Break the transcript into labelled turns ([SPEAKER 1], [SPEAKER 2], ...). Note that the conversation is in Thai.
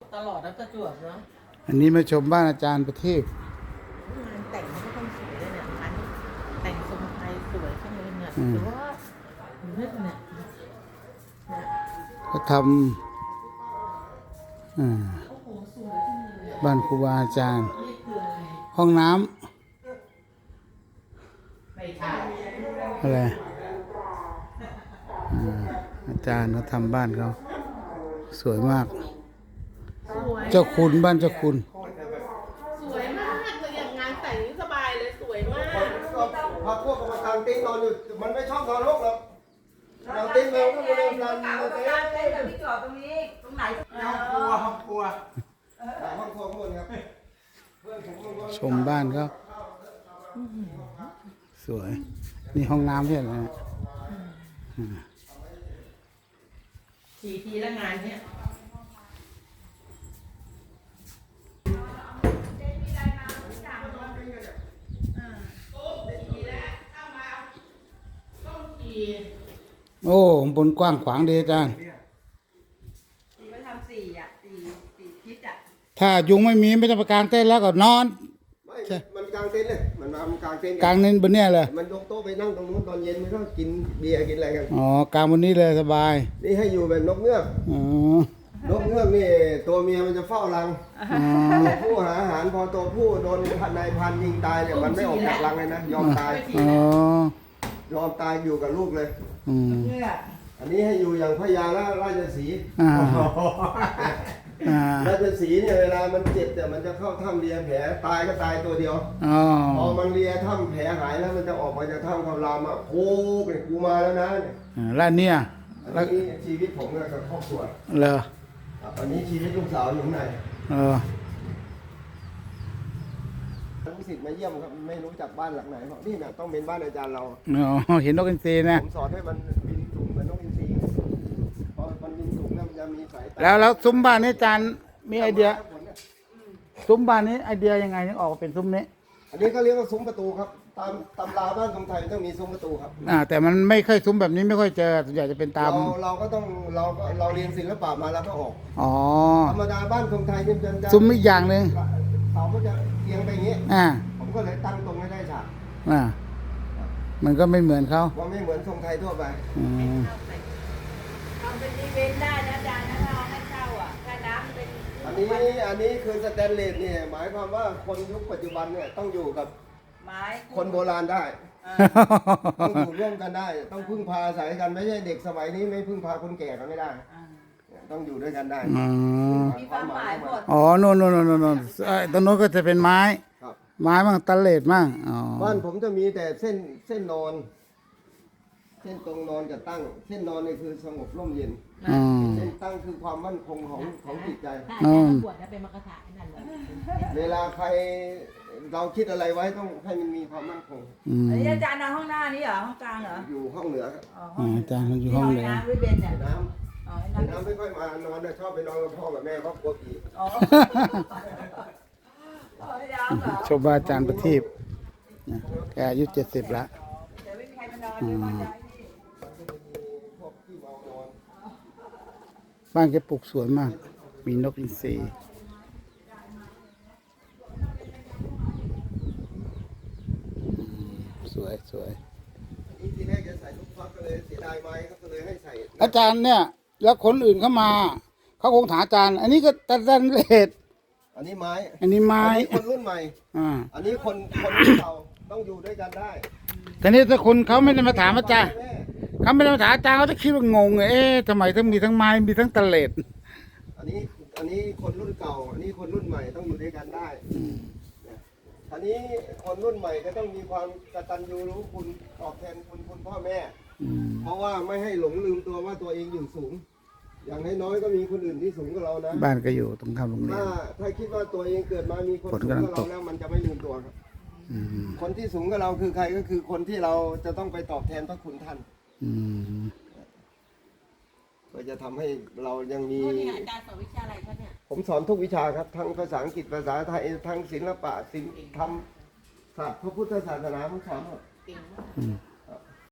[SPEAKER 1] ตลอดแล้วประจวบเนาะ
[SPEAKER 2] อันนี้มาชมบ้านอาจารย์ประทีป
[SPEAKER 1] งานแต่งเขาก็ต้องสวยเลยเนี่ยงานแต่งทรงไทยสวยจังเลยเนี่ยหรือว่าเลือดเนี่ย
[SPEAKER 2] เขาทำบ้านครูบาอาจารย์ห้องน้ำอะไรอาจารย์เขาทำบ้านเขาสวยมากเจ้าคุณบ้านเจ้าคุณ
[SPEAKER 1] สวยมากเลยอย่างงานแต่งนี่สบายเลยสวยมาก
[SPEAKER 3] พอพวกกางเต็นท์นอนอยู่มันไม่ชอบนอนโลกหรอกกางเต็นท์เราก็ไม่ได้นอนกางเต็นท์
[SPEAKER 4] พี่จอดตรงนี้ตรงไหน
[SPEAKER 3] ห้องครัวห้องครัวหมดครับ
[SPEAKER 2] ชมบ้านเขาสวยนี่ห้องน้ำเพื่อนนะ
[SPEAKER 1] 4 ทีแล้วงานเนี้ย
[SPEAKER 2] โอ้บนกว้างขวางดีอาจารย์
[SPEAKER 4] ไปทำ4 ทิศ
[SPEAKER 2] ถ้ายุงไม่มีไม่ต้องไปกางเต็นท์แล้วก็นอน
[SPEAKER 3] ไม่มันกางเต็นท์เลยมันมากางเต็นท์
[SPEAKER 2] กางเต็นท์บนเนี้ยเลย
[SPEAKER 3] มันยกโต๊ะไปนั่งตรงนู้นตอนเย็นมันก็กินเบียร์กินอะไรกัน
[SPEAKER 2] อ๋อกางบนนี้เลยสบาย
[SPEAKER 3] นี่ให้อยู่แบบนกเงือก
[SPEAKER 2] อ๋อน
[SPEAKER 3] กเงือกนี่ตัวเมียมันจะเฝ้ารังตัวผู้หาอาหารพอตัวผู้โดนนายพันยิงตายเนี่ยมันไม่ออกจากรังเลยนะยอมตายยอมตายอยู่กับลูกเลยอันนี้ให้อยู่อย่างพญาราชสีห์ราชสีห์เนี่ยเวลามันเจ็บแต่มันจะเข้าถ้ำเลียแผลตายก็ตายตัวเดียวพอมันเลียถ้ำแผลหายแล้วมันจะออกมาจากถ้ำคำรามอ่ะโค้งเนี่ยกูมาแล้วนะ
[SPEAKER 2] แล้วเนี่ย
[SPEAKER 3] อันนี้ชีวิตผมกับครอบครัว
[SPEAKER 2] เหรอ
[SPEAKER 3] อันนี้ชีวิตลูกสาวอยู่ข้างในลูกศิษย์มาเยี่ยมครับไม่รู้จักบ้านหลังไหนเพราะนี่เนี่ยต้องเป็นบ้านอาจารย์เรา
[SPEAKER 2] เห็นนกอินทรีนะ
[SPEAKER 3] ผมสอนให้มันบินสูงเหมือนนกอินทรีพอมันบินสูงแล้วมันจะมีสายตา
[SPEAKER 2] แล้วซุ้มบ้านนี้อาจารย์มีไอเดียซุ้มบ้านนี้ไอเดียยังไงถึงออกเป็นซุ้มนี้
[SPEAKER 3] อันนี้ก็เรียกว่าซุ้มประตูครับตามตำราบ้านทรงไทยต้องมีซุ้มประตูครับ
[SPEAKER 2] แต่มันไม่ค่อยซุ้มแบบนี้ไม่ค่อยเจอส่วนใหญ่จะเป็นตาม
[SPEAKER 3] เราก็ต้องเราเรียนศิลปะมาแล้วก็ออกธรรมดาบ้านทรงไทยจะ
[SPEAKER 2] ซุ้มอีกอย่างหนึ่ง
[SPEAKER 3] เสาก็จะเอียงไปอย่างนี้ผมก็เลยตั้งตรงให้ได้ฉาก
[SPEAKER 2] มันก็ไม่เหมือนเขา
[SPEAKER 3] ว่าไม่เหมือนทรงไทยทั่วไป
[SPEAKER 4] ทำเป็นอีเวนต์ได้นะอาจารย์นะเราให้เช่าถ้าน้ำเป็น
[SPEAKER 3] อันนี้คือสแตนเลสเนี่ยหมายความว่าคนยุคปัจจุบันเนี่ยต้องอยู่กับ
[SPEAKER 4] ไม้
[SPEAKER 3] คนโบราณได้ต้องอยู่ร่วมกันได้ต้องพึ่งพาอาศัยกันไม่ใช่เด็กสมัยนี้ไม่พึ่งพาคนแก่กันไม่ได้ต้องอยู่ด้วยกันได้
[SPEAKER 4] มีความหมายหมด
[SPEAKER 2] โน่นตรงโน้นก็จะเป็นไม้มั่งตะเลดมั่ง
[SPEAKER 3] บ้านผมจะมีแต่เส้นนอนเส้นตรงนอนกับตั้งเส้นนอนนี่คือสงบร่มเย็นเส้นตั้งคือความมั่นคงของจิตใจ
[SPEAKER 1] ปวดนะเป็นมรรคถานั่นเลย
[SPEAKER 3] เวลาใครเราคิดอะไรไว้ต้องให้มันมีความมั่นคง
[SPEAKER 4] อันนี้อาจารย์นอนห้องหน้านี้เหรอห้องกลางเหรอ
[SPEAKER 3] อยู่ห้องเหนือครับ
[SPEAKER 2] อาจารย์มันอยู่ห้องเหนือ
[SPEAKER 4] น้ำวิเบนเนี่ย
[SPEAKER 3] น้ำไม่ค่อยมานอนชอบไปนอนกับพ่อกับแม่เพราะกลัวผี
[SPEAKER 2] ชมบ้านอาจารย์ประทีปแกอายุ70แล้วบ้านแกปลูกสวนมากมีนกอินทรีสวย
[SPEAKER 3] ทีแรกจะใส่ลูกฟักก็เลยเสียดายไม้ก็เลยให้ใส่
[SPEAKER 2] อาจารย์เนี่ยแล้วคนอื่นเข้ามาเขาคงถามอาจารย์อันนี้ก็ตัดเลด
[SPEAKER 3] อันนี้ไม้คนรุ่นใหม่อันนี้คนเก่าต้องอยู่ด้วยกันได้
[SPEAKER 2] แต่นี่ถ้าคนเขาไม่ได้มาถามอาจารย์เขาไม่ได้มาถามอาจารย์เขาจะคิดว่างงทำไมทั้งมีทั้งไม้มีทั้งตะเลด
[SPEAKER 3] อันนี้คนรุ่นเก่าอันนี้คนรุ่นใหม่ต้องอยู่ด้วยกันได้อันนี้คนรุ่นใหม่ก็ต้องมีความกตัญญูรู้คุณตอบแทนคุณพ่อแม่เพราะว่าไม่ให้หลงลืมตัวว่าตัวเองอยู่สูงอย่างน้อยก็มีคนอื่นที่สูงกว่าเรานะ
[SPEAKER 2] บ้านก็อยู่ตรงข้ามโรงเรียน
[SPEAKER 3] ถ้าคิดว่าตัวเองเกิดมามีคนสูงกว่าเราแล้วมันจะไม่ลืมตัวครับคนที่สูงกว่าเราคือใครก็คือคนที่เราจะต้องไปตอบแทนพระคุณท่านก็จะทำให้เรายังมี
[SPEAKER 1] อาจารย์สอนวิชาอะไรคะเนี่ย
[SPEAKER 3] ผมสอนทุกวิชาครับทั้งภาษาอังกฤษภาษาไทยทั้งศิลปะศิลป์ธรรมศาสตร์พระพุทธศาสนาผมสอนหมด